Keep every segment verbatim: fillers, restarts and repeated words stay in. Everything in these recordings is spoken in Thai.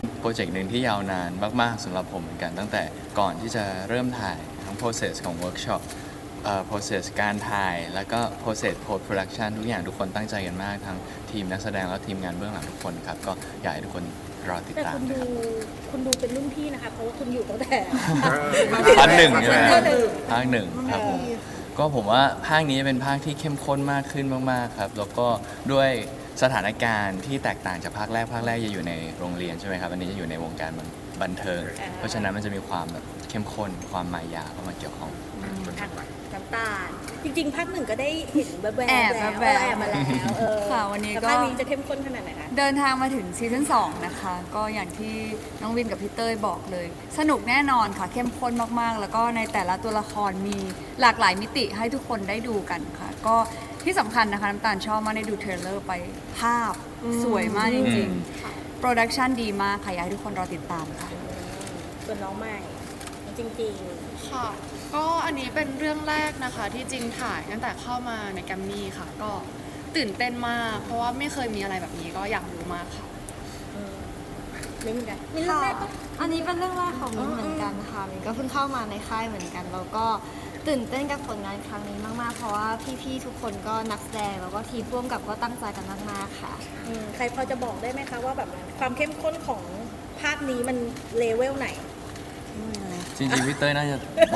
โปรเจกต์หนึ่งที่ยาวนานมากๆสำหรับผมเหมือนกันตั้งแต่ก่อนที่จะเริ่มถ่ายทั้ง process ของ workshop เอ่อ process การถ่ายแล้วก็ process post production ทุกอย่างทุกคนตั้งใจกันมากทั้งทีมนักแสดงและทีมงานเบื้องหลังทุกคนครับก็อยากให้ทุกคนรอติดแต่ตามคุณนะดูครับคุณดูเป็นรุ่นพี่นะคะเพราะว่าคุณอยู่ตั้งแต่ภาคหนึ่งใช่ไหมภาคหนึ่งภาคหนึ่งครับผมก็ผมว่าภาคนี้เป็นภาคที่เข้มข้นมากขึ้นมากๆครับแล้วก็ด้วยสถานการณ์ที่แตกต่างจากภาคแรกภาคแรกจะอยู่ในโรงเรียนใช่ไหมครับอันนี้จะอยู่ในวงการบันเทิง เพราะฉะนั้นมันจะมีความแบบเข้มข้นความมายาเข้ามาเกี่ยวข้องอ่ะน้ำตาลจริงๆภาคหนึ่งก็ได้เห็นแวบๆแอบแล้วแวบๆแอบมาแล้วเออค่ะวันนี้ก็แต่ภาคนี้จะเข้มข้นขนาดไหนคะเดินทางมาถึงซีซั่นสองนะคะ ก็อย่างที่น้องวินกับพี่เต้ยบอกเลย สนุกแน่นอนค่ะ เข้มข้นมากๆ แล้วก็ในแต่ละตัวละครมีหลากหลายมิติให้ทุกคนได้ดูกันค่ะ ก็ที่สำคัญนะคะน้ำตาลชอบมากได้ดูเทรลเลอร์ไปภาพสวยมากจริงๆโปรดักชันดีมากค่ะอยากให้ทุกคนรอติดตามค่ะส่วนน้องใหม่จริงค่ะ ก็อันนี้เป็นเรื่องแรกนะคะที่จริงถ่ายตั้งแต่เข้ามาในแกรมมี่ค่ะ ก็ตื่นเต้นมาก เพราะว่าไม่เคยมีอะไรแบบนี้ก็อยากรู้มากค่ะๆเออเล่นกันมีเรื่องแรกปะอันนี้เป็นเรื่องแรกของมิ้นเหมือนกันค่ะมิ้นก็เพิ่งเข้ามาในค่ายเหมือนกัน แล้วก็ตื่นเต้นกับผลงานครั้งนี้มากๆ เพราะว่าพี่ๆทุกคนก็นักแสดงแล้วก็ทีมร่วมกับก็ตั้งใจกันมากๆค่ะอืมใครพอจะบอกได้ไหมคะว่าแบบความเข้มข้นของภาคนี้มันเลเวลไหนจริงๆพี่เต้ยน่าจะ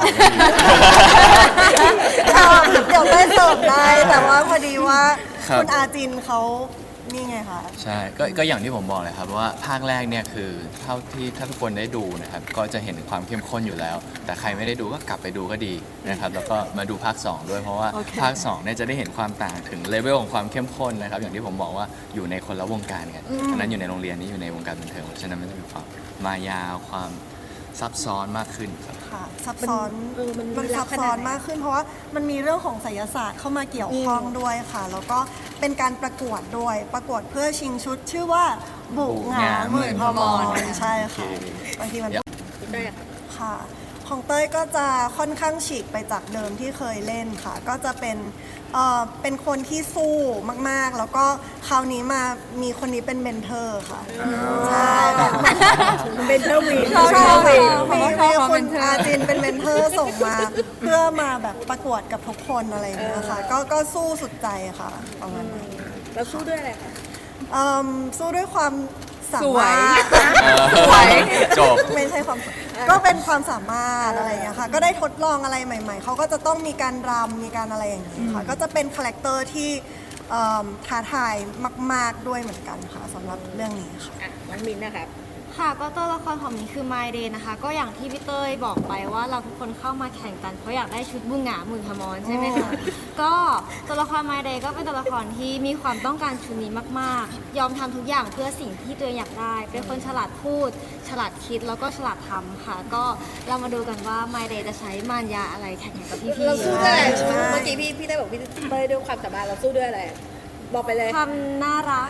เดี๋ยวได้เสิร์ฟได้แต่ว่าพอดีว่าครับคุณอาจินเขานี่ไงคะใช่ก็ก็อย่างที่ผมบอกเลยครับว่าภาคแรกเนี่ยคือเท่าที่ถ้าทุกคนได้ดูนะครับก็จะเห็นความเข้มข้นอยู่แล้ว แต่ใครไม่ได้ดูก็กลับไปดูก็ดีนะครับแล้วก็มาดูภาคสองด้วยเพราะว่าโอเคภาคสองเนี่ยจะได้เห็นความต่างถึงเลเวลของความเข้มข้นนะครับอย่างที่ผมบอกว่าอยู่ในคนละวงการกันอันนั้นอยู่ในโรงเรียนนี้อยู่ในวงการบันเทิงเพราะฉะนั้นมันจะมีความมายาวความซับซ้อนมากขึ้นครับค่ะซับซ้อนเออมันมันมีลัซักบษณะซ้อนไหนมากขึ้น เพราะว่ามันมีเรื่องของไสยศาสตร์เข้ามาเกี่ยวข้องด้วยค่ะ แล้วก็เป็นการประกวดด้วยประกวดเพื่อชิงชุด ชื่อว่าบุกหงาหมื่นพมรใช่ค่ะบางทีมันพี่เต้ยอะค่ะค่ะของเต้ยก็จะค่อนข้างฉีกไปจากเดิมที่เคยเล่นค่ะ ก็จะเป็นเอ่อเป็นคนที่สู้มากๆ แล้วก็คราวนี้มามีคนนี้เป็นเมนเทอร์ค่ะใช่แบบเป็นเทอร์วีนชอบชอบมีชอบมีชอบมีเขาคุเป็ณนเทอร์อาจินเป็นเมนเทอร์ส่งมา เพื่อมาแบบประกวดกับทุกคนอะไรอย่างเงี้ยค่ะก็ก็สู้สุดใจค่ะประมาณนั้นแล้วสู้ด้วยอะไรคะเอิ่มสู้ด้วยความสาสวยมารถสวยจบไม่ใช่ความก็เป็นความสามารถอะไรอย่างเงี้ยค่ะก็ได้ทดลองอะไรใหม่ ๆเขาก็จะต้องมีการรำมีการอะไรอย่างนี้ค่ะก็จะเป็นคาแรคเตอร์ที่เอิ่มท้าทายมาก ๆด้วยเหมือนกันค่ะสำหรับเรื่องนี้ค่ะอ่ะน้องมินนะครับค่ะก็ตัวละครของมิ้นคือ My Day นะคะ ก็อย่างที่พี่เต้ยบอกไปว่าเราทุกคนเข้ามาแข่งกันเพราะอยากได้ชุดบุงหงาหมื่นพมรใช่ไหมคะก็ตัวละคร My Day ก็เป็นตัวละครที่มีความต้องการชุดนี้มากๆ ยอมทำทุกอย่างเพื่อสิ่งที่ตัวเองอยากได้ เป็นคนฉลาดพูด ฉลาดคิดแล้วก็ฉลาดทำค่ะ ก็เรามาดูกันว่า My Day จะใช้มารยาอะไรแข่งกับพี่ๆเราสู้ด้วยอะไรใช่เมื่อกี้พี่พี่ได้บอกพี่เต้ยด้วยความสามารถเราสู้ด้วยอะไร บอกไปเลยความน่ารัก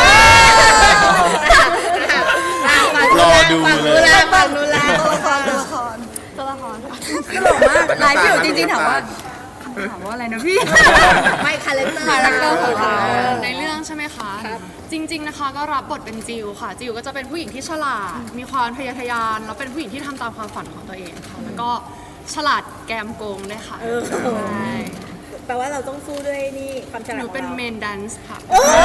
รอดูเลยฝั่งนู้นแล้วตัวละครตัวละครตัวละครค่ะตลกมากไลฟ์พี่อยู่จริงๆถามว่าถามว่าอะไรนะพี่ไม่คาแรคเตอร์คาแรคเตอร์ของเราในเรื่องใช่ไหมคะครับจริง ๆนะคะก็รับบทเป็นจิวค่ะ จิวก็จะเป็นผู้หญิงที่ฉลาด มีความทะเยอทะยาน แล้วเป็นผู้หญิงที่ทำตามความฝันของตัวเองค่ะ แล้วก็ฉลาดแกมโกงด้วยค่ะเออใช่แปลว่าเราต้องสู้ด้วยนี่ความฉหลาดนูของเป็นเราเมนแดนซ์ค่ะ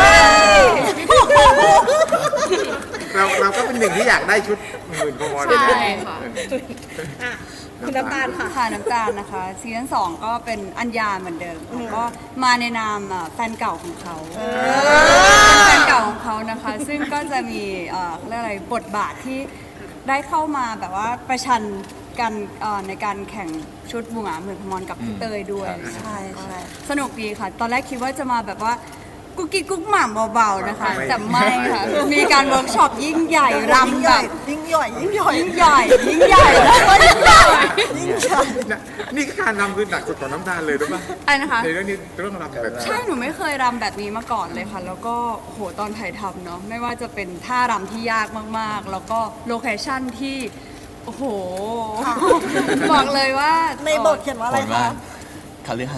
เราเราก็เป็นหนึ่งที่อยากได้ชุดหมื่นพมรใช่ค่ะอ่ะคุณน้ำตาลค่ะค่ะน้ำตาลนะคะซีซั่นสองก็เป็นอัญญาเหมือนเดิมค่ะก็มาในนามอ่ะแฟนเก่าของเขาเป็นแฟนเก่าของเขานะคะ ซึ่งก็จะมีเอ่อเขาเรียกอะไรบทบาทที่ได้เข้ามาแบบว่าประชันกันเอ่อในการแข่งชุดบุงหงาหมื่นพมรกับพี่เตยด้วยใช่ใช่สนุกดีค่ะ ตอนแรกคิดว่าจะมาแบบว่ากุ๊กกิ๊กกุ๊กหม่ำเบาๆนะคะแต่ไม่ค่ะมีการเวิร์กช็อปยิ่งใหญ่รำแบบยิ่งใหญ่ยิ่งใหญ่ยิ่งใหญ่ยิ่งใหญ่แล้วก็ยิ่งใหญ่ยิ่งใหญ่นะนี่ก็การนำคือหนักสุดของน้ำตาลเลยรู้ป่ะอะไรนะคะในเรื่องนี้เรื่องรำแบบใช่ หนูไม่เคยรำแบบนี้มาก่อนเลยค่ะ แล้วก็โหตอนถ่ายทำเนาะไม่ว่าจะเป็นท่ารำที่ยากมากๆ แล้วก็โลเคชั่นที่ โอ้โห บอกเลยว่าในบทเขียนว่าอะไรผลว่าคะคาลือหาดค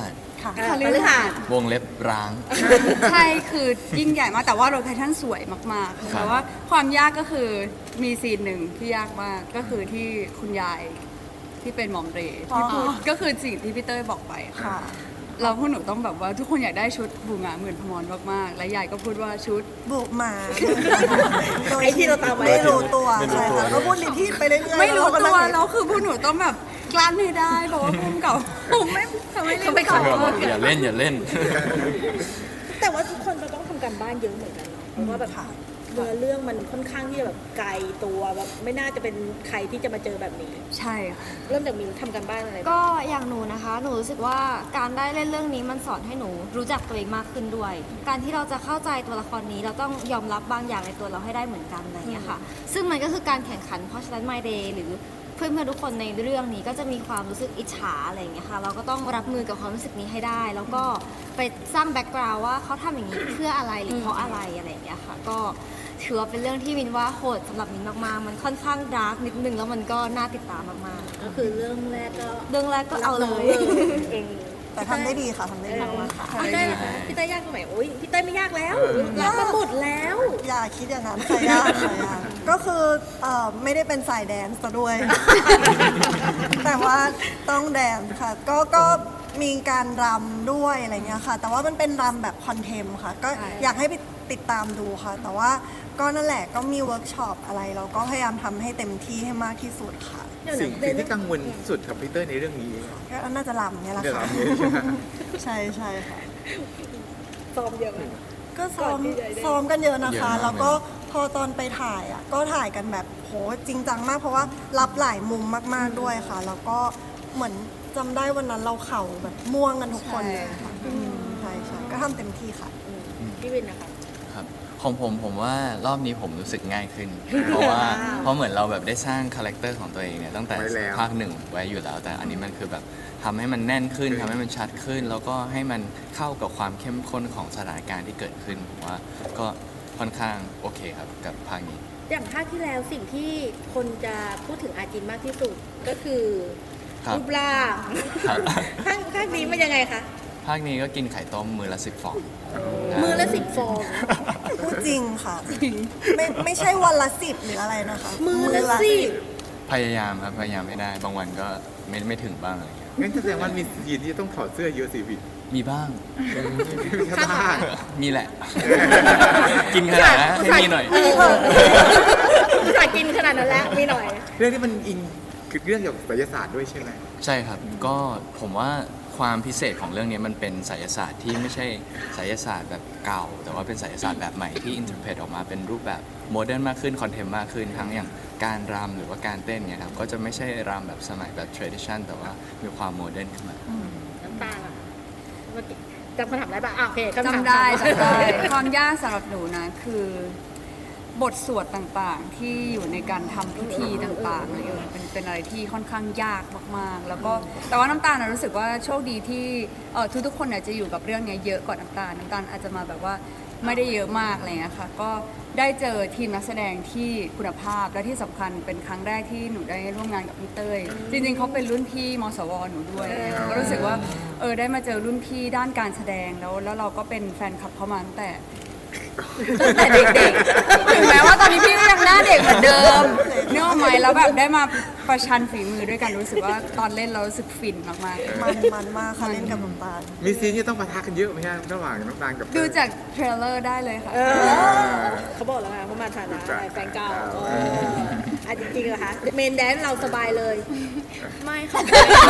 ค่ะเออพฤหัสวงเล็บร้างใช่คือยิ่งใหญ่มากแต่ว่าโลเคชั่นสวยมากๆครับแต่ว่าความยากก็คือมีซีนหนึ่งที่ยากมากก็คือที่คุณยายที่เป็นหมอมเรย์ที่พูดก็คือสิ่งที่พี่เต้ยบอกไปค่ะค่ะเราพวกหนูต้องแบบว่าทุกคนอยากได้ชุดบูงาหมื่นพมรมากๆและยายก็พูดว่าชุดบุกมาโดยไอ้ที่เราตามไว้ไม่รู้ตัวไม่รู้ใช่ตัวค่ะก็พูดรีพีทไปเรื่อยๆไม่รู้แล้ก็ตันั่วงแล้วคือพวกหนูต้องแบบกลั้นให้ได้เพราะว่าพุ่มเก่าผมไม่ทำไมเล่นไม่ขขออโทษอย่าเล่นอย่าเล่นแต่ว่าทุกคนจะต้องทำการบ้านเยอะเหมือนกันเนาะเพราะว่าแบบเนื้อเรื่องมันค่อนข้างที่จะแบบไกลตัวแบบไม่น่าจะเป็นใครที่จะมาเจอแบบนี้ใช่ค่ะเริ่มจากมินทำการบ้านอะไรบ้างก็อย่างหนูนะคะ หนูรู้สึกว่าการได้เล่นเรื่องนี้มันสอนให้หนูรู้จักตัวเองมากขึ้นด้วย การที่เราจะเข้าใจตัวละครนี้เราต้องยอมรับบางอย่างในตัวเราให้ได้เหมือนกันอะไรอย่างเงี้ยค่ะ ซึ่งมันก็คือการแข่งขันเพราะฉะนั้น My Day หรือเพื่อนๆทุกคนในเรื่องนี้ก็จะมีความรู้สึกอิจฉาอะไรอย่างเงี้ยค่ะ เราก็ต้องรับมือกับความรู้สึกนี้ให้ได้ แล้วก็ไปสร้างแบ็กกราวด์ว่าเขาทำอย่างนี้เพื่ออะไรหรือเพราะอะไรอะไรอย่างเงี้ยค่ะ ก็ถือว่าเป็นเรื่องที่มินว่าโหดสำหรับมินมากๆ มันค่อนข้างดาร์กนิดนึงแล้วมันก็น่าติดตามมากก็คือเรื่องแรกก็ๆ เรื่องแรกก็เอาเลยเองแต่ทำได้ดีค่ะทำได้ดีมากๆค่ะพี่เต้ยพี่เต้ยยากตรงไหนโอ้ยพี่เต้ยไม่ยากแล้วรับมาหมดแล้วอย่าคิดอย่างนั้นใครยากใครยากก็คือเอ่อไม่ได้เป็นสายแดนซ์ซะด้วย แต่ว่าต้องแดนซ์ค่ะ ก็ก็มีการรำด้วยอะไรเงี้ยค่ะ แต่ว่ามันเป็นรำแบบคอนเทมค่ะ ก็ใช่อยากให้ไปติดตามดูค่ะ แต่ว่าก็นั่นแหละก็มีเวิร์กช็อปอะไร เราก็พยายามทำให้เต็มที่ให้มากที่สุดค่ะสิ่งสิ่งที่กังวลสุดกับพีเตอร์ในเรื่องนี้ก็น่าจะรำเนี่ยแหละเดี๋ยวค่ะเราเนี่ยใช่ไหมใช่ใช่ค่ะซ้อมเยอะไหมก็ซ้อมก่อนที่จะได้ซ้อมกันเยอะนะคะเยอะมากแล้วก็พอตอนไปถ่ายอ่ะก็ถ่ายกันแบบโหจริงจังมากเพราะว่ารับหลายมุมมากๆด้วยค่ะ แล้วก็เหมือนจำได้วันนั้นเราเข่าแบบม่วงกันทุกคนเลยค่ะอืมใช่ใช่ก็ทำเต็มที่ค่ะพี่วินนะคะครับของผมผมว่ารอบนี้ผมรู้สึกง่ายขึ้น เพราะว่าเพราะเหมือนเราแบบได้สร้างคาแรคเตอร์ของตัวเองเนี่ยตั้งแต่ไว้แล้วภาคหนึ่งไว้อยู่แล้ว แต่อันนี้มันคือแบบทำให้มันแน่นขึ้นทำให้มันชัดขึ้น แล้วก็ให้มันเข้ากับความเข้มข้นของสถานการณ์ที่เกิดขึ้นผมว่าก็ค่อนข้างโอเคครับกับภาคนี้อย่างภาคที่แล้วสิ่งที่คนจะพูดถึงอาจินมากที่สุดก็คือครับรูปร่างครับภาคภาคนี้มันยังไงคะภาคนี้ก็กินไข่ต้มมือละสิบฟองมือละสิบฟองพูดจริงค่ะ ไม่ไม่ใช่วันละสิบหรืออะไรนะคะมือละสิบพยายามครับพยายามไม่ได้ บางวันก็ไม่ไม่ถึงบ้างอะไรเงี้ยงั้นแสดงว่ามีซีนที่ต้องถอดเสื้อเยอะสิพี่มีบ้างแค่บ้างมีแหละ กินขนาดนั้นให้มีหน่อยเอุตส่าห์กินขนาดนั้นแล้วมีหน่อยเรื่องที่มันอิงคือเรื่องเกี่ยวกับศิลศาสตร์ด้วยใช่ไหมใช่ครับ ก็ผมว่าความพิเศษของเรื่องนี้มันเป็นไสยศาสตร์ที่ไม่ใช่ไสยศาสตร์แบบเก่า แต่ว่าเป็นไสยศาสตร์แบบใหม่ที่อินเทอร์เพตออกมาเป็นรูปแบบโมเดิร์นมากขึ้นคอนเทมมากขึ้นทั้งอย่างการรำหรือว่าการเต้นเนี่ยครับก็จะไม่ใช่รำแบบสมัยแบบ tradition แต่ว่ามีความโมเดิร์นขึ้นมาน้ำตาลอะเมื่อกี้จำคำถามได้ปะอ่ะโอเคคำถามจำได้ถามจำได้ความยากสำหรับหนูนะคือบทสวดต่างๆ ที่อยู่ในการทำพิธีต่างๆอะไรอย่างเงี้ยเป็นเป็นอะไรที่ค่อนข้างยากมากๆ แล้วก็แต่ว่าน้ำตาลนะรู้สึกว่าโชคดีที่เออทุกๆคนเนี่ยจะอยู่กับเรื่องเนี้ยเยอะกว่าน้ำตาลน้ำตาลอาจจะมาแบบว่าไม่ได้เยอะมากอะไรเงี้ยค่ะก็ได้เจอทีมนักแสดงที่คุณภาพและที่สำคัญเป็นครั้งแรกที่หนูได้ร่วมงานกับพี่เต้ยจริงๆเขาเป็นรุ่นพี่มสวหนูด้วยก็รู้สึกว่าเออได้มาเจอรุ่นพี่ด้านการแสดงแล้วแล้วเราก็เป็นแฟนคลับเขามาตั้งแต่ตั้งแต่เด็กๆถึงแม้ว่าตอนนี้พี่ก็ยังหน้าเด็กเหมือนเดิมเนื้ออกไหมแล้วแบบได้มาประชันฝีมือด้วยกันรู้สึกว่าตอนเล่นเรารู้สึกฟินมากๆมันมันมากค่ะเล่นกับน้ำตาลมีซีนที่ต้องปะทะกันเยอะไหมฮะระหว่างน้ำตาลกับดูจากเทรลเลอร์ได้เลยค่ะเออเขาบอกแล้วไงเขามาฐานะอะไรแฟนเก่าเอออ่ะจริงๆเหรอคะเมนแดนซ์เราสบายเลยไม่ค่ะ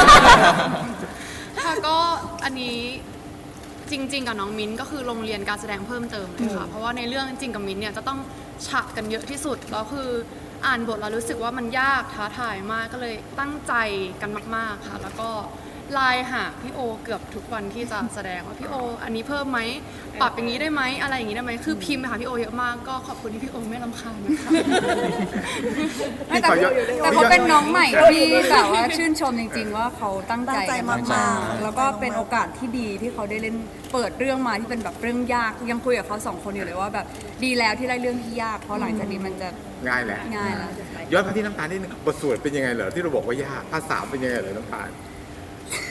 ค่ะก็อันนี้จริง ๆ กับน้องมิ้นก็คือโรงเรียนการแสดงเพิ่มเติมเลยค่ะ เพราะว่าในเรื่องจริงกับมิ้นเนี่ยจะต้องฉากกันเยอะที่สุดแล้วคืออ่านบทแล้วรู้สึกว่ามันยากท้าทายมากก็เลยตั้งใจกันมาก ๆค่ะ แล้วก็ไลน์หาพี่โอเกือบทุกวันที่จะแสดงว่าพี่โออันนี้เพิ่มไหมปรับอย่างนี้ได้ไหมอะไรอย่างนี้ได้ไหมคือพิมพ์ไปหาพี่โอเยอะมากก็ขอบคุณที่พี่โอไม่รำคาญนะคะไม่แต่เขาแต่เขาเป็นน้องใหม่ที่แบบว่าชื่นชมจริง ๆ ว่าเขาตั้งใจตั้งใจกันมากๆแล้วก็เป็นโอกาสที่ดีที่เขาได้เล่นเปิดเรื่องมาที่เป็นแบบเรื่องยากยังคุยกับเขาสองคนอยู่เลยว่าแบบดีแล้วที่ได้เรื่องที่ยากเพราะหลังจากนี้มันจะง่ายแหละง่ายแล้วย้อนมาที่น้ำตาลนิดนึงบทสวดเป็นยังไงเหรอที่เราบอกว่ายากภาษาเป็นยังไงเหรอน้ำตาล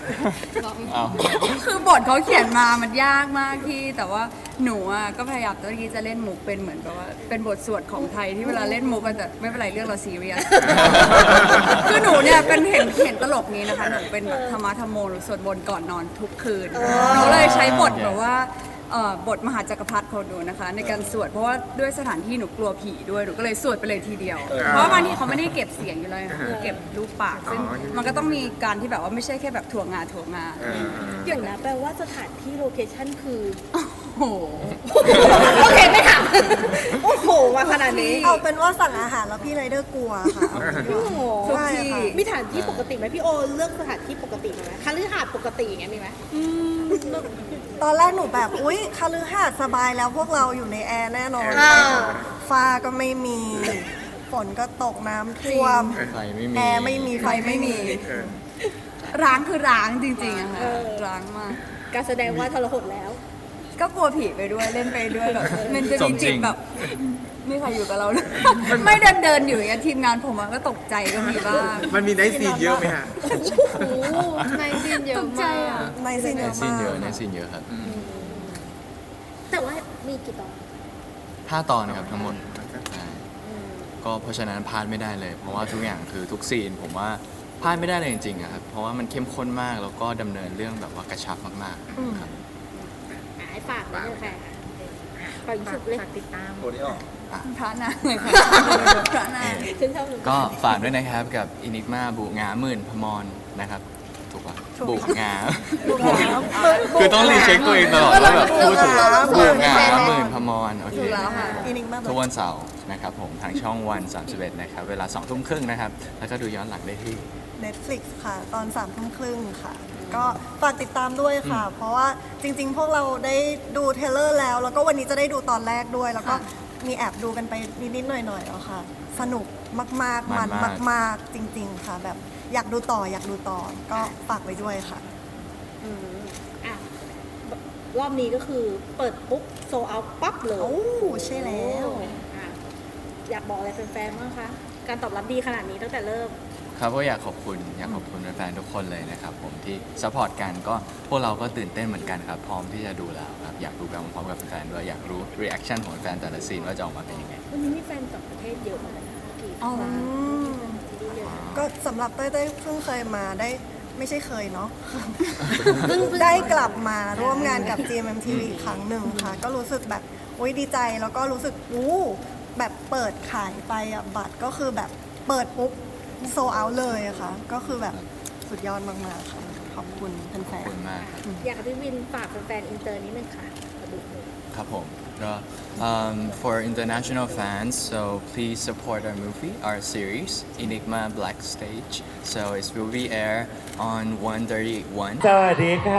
เอาคือบทเขาเขียนมามันยากมากที่ แต่ว่าหนูอ่ะก็พยายามตัวที่จะเล่นมุกเป็นเหมือนกับว่าเป็นบทสวดของไทยที่เวลาเล่นมุกมันแต่ไม่เป็นไรเรื่องเราซีเรียส คือหนูเนี่ยเป็นเห็นเห็นตลกนี้นะคะหนูเป็นแบบธรรมะธรรมโมหรือสวดมนต์ก่อนนอนทุกคืนหนูเลยใช้บทแบบว่าเอ่อบทมหาจักรพรรดิของหนูนะคะ ในการสวดเพราะว่าด้วยสถานที่หนูกลัวผีด้วยหนูก็เลยสวดไปเลยทีเดียว เพราะว่าบางทีเขาไม่ได้เก็บเสียงอยู่เลยคือเก็บรูปปากซึ่งมันก็ต้องมีการที่แบบว่าไม่ใช่แค่แบบถั่วงาถั่วงาเดี๋ยวนะแปลว่าสถานที่โลเคชั่นคือโอ้โหโอเคไม่ถามโอ้โหมาขนาดนี้เอาเป็นว่าสั่งอาหารแล้วพี่ไรเดอร์กลัวค่ะเอาเป็นโอ้ว่าโหทุกที่มีสถานที่ปกติไหมพี่โอเลือกสถานที่ปกติไหมคฤหาสน์ปกติอย่างเงี้ยมีไหมตอนแรกหนูแบบ อุ๊ยคฤหาสน์สบายแล้วพวกเราอยู่ในแอร์แน่นอนอ่าฟ้าก็ไม่มี ฝนก็ตกน้ำท่วมไฟไม่มีแอร์ไม่มีไฟไม่มีเออร้างคือร้างจริงๆอะค่ะเออร้างมากการแสดงว่าทรหดแล้วก็กลัวผีไปด้วยเล่นไปด้วยแบบมันจะสมีมจริจิตงแบบไม่ใครอยู่กับเราเลย ไม่เดินเดินๆอยู่อย่างเงี้ยทีมงานผมอะก็ตกใจก็มีบ้างมันมีไนท์ซีนเยอะไหมฮะในซีนเยตอะกใจมากอะในซีนเยในอะซีนมากเยอะในซีนเยอะครับแต่ว่ามีกี่ตอนห้าตอนนะครับทั้งหมดใช่ก็เพราะฉะนั้นพลาดไม่ได้เลย เพราะว่าทุกอย่างคือทุกซีนผมว่าพลาดไม่ได้เลยจริงๆอะครับเพราะว่ามันเข้มข้นมากแล้วก็ดำเนินเรื่องแบบว่ากระชับมากๆครับอ่ะให้ฝากไว้เลยค่ะฝากสุดเลยติดตามพระนางเลยค่ะพระนางฉันชอบหนูก็ฝากด้วยนะครับกับอินิกมาบุงาหมื่นพมรนะครับถูกปะบุงา คือต้องรีเช็คตัวเองตลอดว่าแบบพูดถูกบุงาหมื่นพมรโอเคถูกแล้วค่ะอินิกมาทุกวันเสาร์นะครับผมทางช่องวันสามสิบเอ็ดนะครับเวลาสองทุ่มครึ่งนะครับแล้วก็ดูย้อนหลังได้ที่ Netflix ค่ะ ตอนสามทุ่มครึ่งค่ะ ก็ฝากติดตามด้วยค่ะ เพราะว่าจริงๆ พวกเราได้ดูเทรลเลอร์แล้ว แล้วก็วันนี้จะได้ดูตอนแรกด้วย แล้วก็มีแอบดูกันไปนิดๆหน่อยๆแล้วค่ะ สนุกมากๆ มันมันมากมากๆ จริง ๆ ค่ะ แบบอยากดูต่ออยากดูต่อ ก็ฝากไว้ด้วยค่ะอืมอ่ะรอบนี้ก็คือเปิดปุ๊บโซเอาปั๊บเลยโอ้ใช่แล้วอ่ะอยากบอกอะไรแฟนๆบ้างคะ การตอบรับดีขนาดนี้ตั้งแต่เริ่มครับก็อยากขอบคุณอยากขอบคุณแฟนๆทุกคนเลยนะครับผมที่ซัพพอร์ตกันก็พวกเราก็ตื่นเต้นเหมือนกันครับพร้อมที่จะดูแล้วครับอยากดูกันพร้อมกับแฟนๆด้วยอยากรู้รีแอคชั่นของแฟนแต่ละซีนว่าจะออกมาเป็นยังไงวันนี้มีแฟนต่างประเทศเยอะมากนะกี่อ๋อครั้งอืมที่ได้เยอะก็สำหรับเต้ยเต้ยเพิ่งเคยมาได้ไม่ใช่เคยเนาะ เพิ่งได้กลับมาร่วมงานกับ จี เอ็ม เอ็ม ที วี อีกครั้งหนึ่งค่ะ ก็รู้สึกแบบโอ๊ยดีใจแล้วก็รู้สึกอู้แบบเปิดขายไปอะบัตรก็คือแบบเปิดปุ๊บโซเอาเลยอะค่ะ ก็คือแบบสุดยอดมากๆค่ะ ขอบคุณแฟขอบนคุณมากครับอยากให้พี่วินฝากแฟนๆอินเตอร์นิดนึงค่ะมาดูเลยครับผมก็ um, for international fans so please support our movie our series Enigma Black Stage so it will be air on one thirty-one สวัสดีค่ะ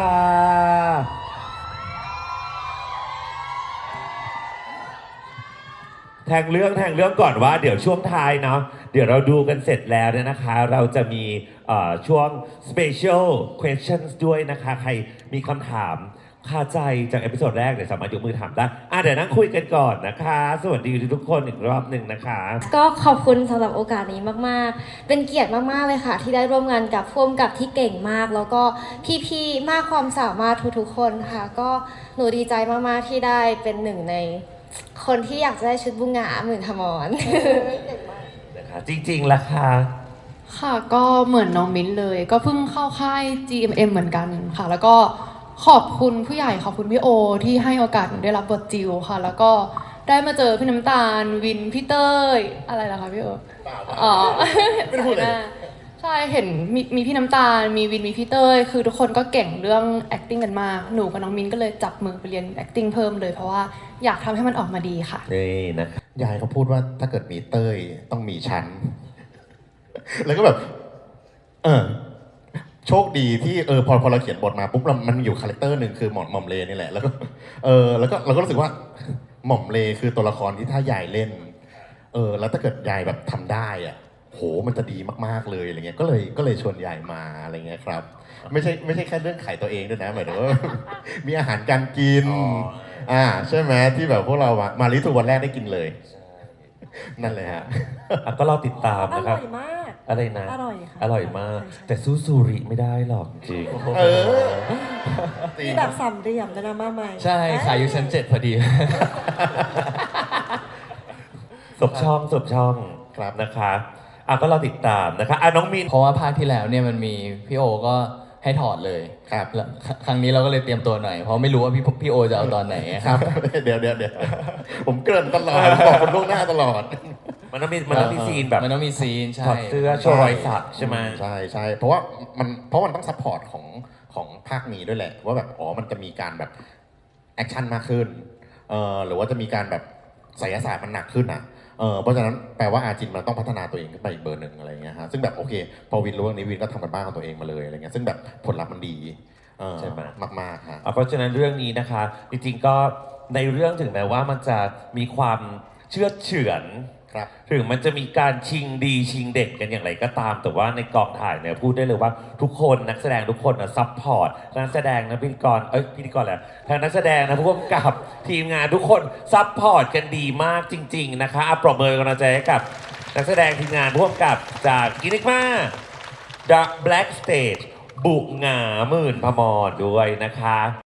แทงเรื่องแทงเรื่องก่อนว่าเดี๋ยวช่วงท้ายเนาะเดี๋ยวเราดูกันเสร็จแล้วเนี่ยนะคะ เราจะมีเอ่อช่วง special questions ด้วยนะคะ ใครมีคำถามคาใจจากเอพิโซดแรกเดี๋ยวสามารถยกมือถามได้อ่ะเดี๋ยวนั่งคุยกันก่อนนะคะ สวัสดีทุกคนอีกรอบหนึ่งนะคะก็ขอบคุณสำหรับโอกาสนี้มากๆ เป็นเกียรติมากๆเลยค่ะ ที่ได้ร่วมงานกับพ่วงกับที่เก่งมาก แล้วก็พี่ๆ มากความสามารถทุกๆ คนค่ะ ก็หนูดีใจมากๆ ที่ได้เป็นหนึ่งในคนที่อยากจะได้ชุดบุงหงาหมื่นทมรนะคะจริงๆล่ะค่ะค่ะก็เหมือนน้องมิ้นเลย ก็เพิ่งเข้าค่าย จี เอ็ม เอ็ม เหมือนกันค่ะ แล้วก็ขอบคุณผู้ใหญ่ขอบคุณพี่โอ ที่ให้โอกาสหนูได้รับบทจิวค่ะ แล้วก็ได้มาเจอพี่น้ำตาลวินพี่เต้ยอะไรล่ะคะพี่โออ๋อไม่ได้พูดเลยใช่เห็นมีมีพี่น้ำตาลมีวินมีพี่เต้ยคือทุกคนก็เก่งเรื่อง acting กันมากหนูกับน้องมิ้นก็เลยจับมือไปเรียน acting เพิ่มเลยเพราะว่าอยากทำให้มันออกมาดีค่ะนี่นะยายเขาพูดว่าถ้าเกิดมีเต้ยต้องมีชั้น แล้วก็แบบ เออ โชคดีที่เออพอพอเราเขียนบทมาปุ๊บเรามันมีอยู่คาแรคเตอร์หนึ่งคือหม่อมหม่อมเลนี่แหละ แล้วก็เออแล้วก็เราก็รู้สึกว่า หม่อมเลคือตัวละครที่ถ้ายายเล่น เออ แล้วถ้าเกิดยายแบบทำได้อ่ะโหมันจะดีมากๆเลยอะไรเงี้ยก็เลยก็เลยชวนยายมาอะไรเงี้ยครับ ไม่ใช่ไม่ใช่แค่เรื่องขายตัวเองด้วยนะหมายถึงว่า มีอาหารการกิน อ่าใช่ไหมที่แบบพวกเรามามาลิทูวันแรกได้กินเลย นั่นเลยฮะอ่ะก็รอติดตามอนะครับร่อยมากอะไรนะอร่อยค่ะอร่อยมากใช่แต่สู้ซูริไม่ได้หรอกจริงเออมีแบบสามเหลี่ยมด้วยนะมาใหม่ใช่ขายอยู่ชั้นเจ็ดพอดีสบช่องสบช่องครับนะคะอ่ะก็เราติดตามนะคะอ่ะน้องมีนเพราะว่าภาคที่แล้วเนี่ยมันมีพี่โอก็ให้ถอดเลยครับแล้วคครั้งนี้เราก็เลยเตรียมตัวหน่อย เพราะไม่รู้ว่าพี่พี่โอจะเอาตอนไหนครับ เดี๋ยวเดี๋ยวเดี๋ยวผมเกริ่นตลอดบอกคนล่วงหน้าตลอดมันต้องมีมันต้องมีซีนแบบมันต้องมีซีนใช่ถอดเสื้อโชว์รอยสักใช่ไหมใช่ใช่เพราะว่ามันเพราะมันต้องซัพพอร์ตของของภาคนี้ด้วยแหละ ว่าแบบอ๋อมันจะมีการแบบแอคชั่นมากขึ้นเอ่อหรือว่าจะมีการแบบไสยศาสตร์มันหนักขึ้นอ่ะเออเพราะฉะนั้นแปลว่าอาจินมันต้องพัฒนาตัวเองขึ้นไปอีกเบอร์หนึ่งอะไรเงี้ยฮะซึ่งแบบโอเค พอวินรู้เรื่องนี้วินก็ทำกันบ้านของตัวเองมาเลยอะไรเงี้ยซึ่งแบบผลลัพธ์มันดีเออใช่ไหมมากๆฮะอ่ะเพราะฉะนั้นเรื่องนี้นะคะ จริงๆก็ในเรื่องถึงแม้ว่ามันจะมีความเชื่อดเฉือนครับถึงมันจะมีการชิงดีชิงเด็ดกันอย่างไรก็ตาม แต่ว่าในกองถ่ายเนี่ยพูดได้เลยว่าทุกคนนักแสดงทุกคนนะซัพพอร์ตนักแสดงนะพิธีกรเอ้ยพิธีกรแหละทางนักแสดงนะผู้กำกับทีมงานทุกคนซัพพอร์ตกันดีมากจริง ๆนะคะอ่ะปรบมือกำลังใจให้กับนักแสดงทีมงานผู้กำกับจากกินิกมา The Black Stage บุกหงาหมื่นพมรด้วยนะคะ